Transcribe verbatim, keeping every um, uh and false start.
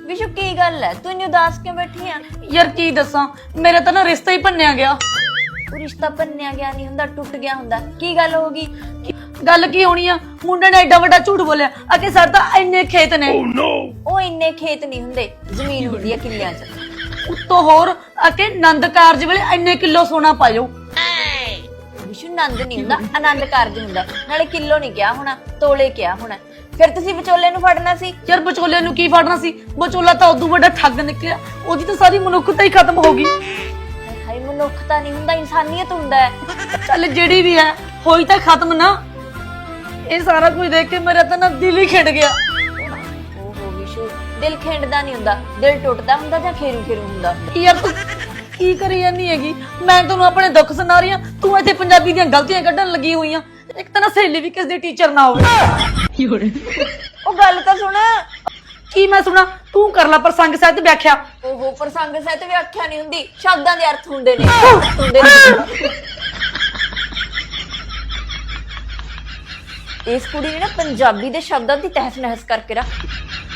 विशु की गल है तू इन्नी उदास क्यों बैठी है? यार की दसा मेरा तो ना रिश्ता ही भन्निया गया। वो रिश्ता भन्निया गया नहीं हुंदा, टुट गया हुंदा। की गल होगी? गल की होनी आ, मुंडे ने एडा वड्डा झूठ बोलिया अके साडे तां इन्ने खेत ने। oh, no. ओ इन्ने खेत नहीं हुंदे, जमीन हुंदी है किल्लियां च। उत्तों होर अके नंद कारज वेले इन्ने किलो सोना पायो। विशु नंद नहीं हुंदा, आनंद कारज हुंदा। नाले किलो नहीं किया होना, तोले किया होना। फिर तुसी विचोले नूं फड़ना सी। यार विचोले नूं की फड़ना सी? विचोला तां उदों वड्डा ठग निकलिया, ओदी तां सारी मनुक्खता ही खत्म हो गई। हाय मनुक्खता नहीं हुंदा, इंसानियत हुंदा है। चल जेड़ी भी है होई तां खत्म ना। ये सारा कुछ देख के मेरा तां ना दिल ही खिंड गया। ओहो विशु, दिल खिंडदा नहीं हुंदा, दिल टुटदा हुंदा जां खेरू खेरू हुंदा। यार तू की करी जानी हैगी? मैं तैनूं अपने दुख सुना रही हां, तू इत्थे पंजाबी दीयां गलतियां कढण लगी हुई आ। एक तां ना सहेली भी किस दी टीचर ना होवे। ओ गल तां सुण। की मैं सुना? तू कर ला प्रसंग सहित व्याख्या। ओहो प्रसंग सहित व्याख्या नहीं हुंदी, शब्दां दे अर्थ हुंदे ने। हुंदे ने। इस कुड़ी ने ना पंजाबी दे शब्दां दी तहस नहस करके रख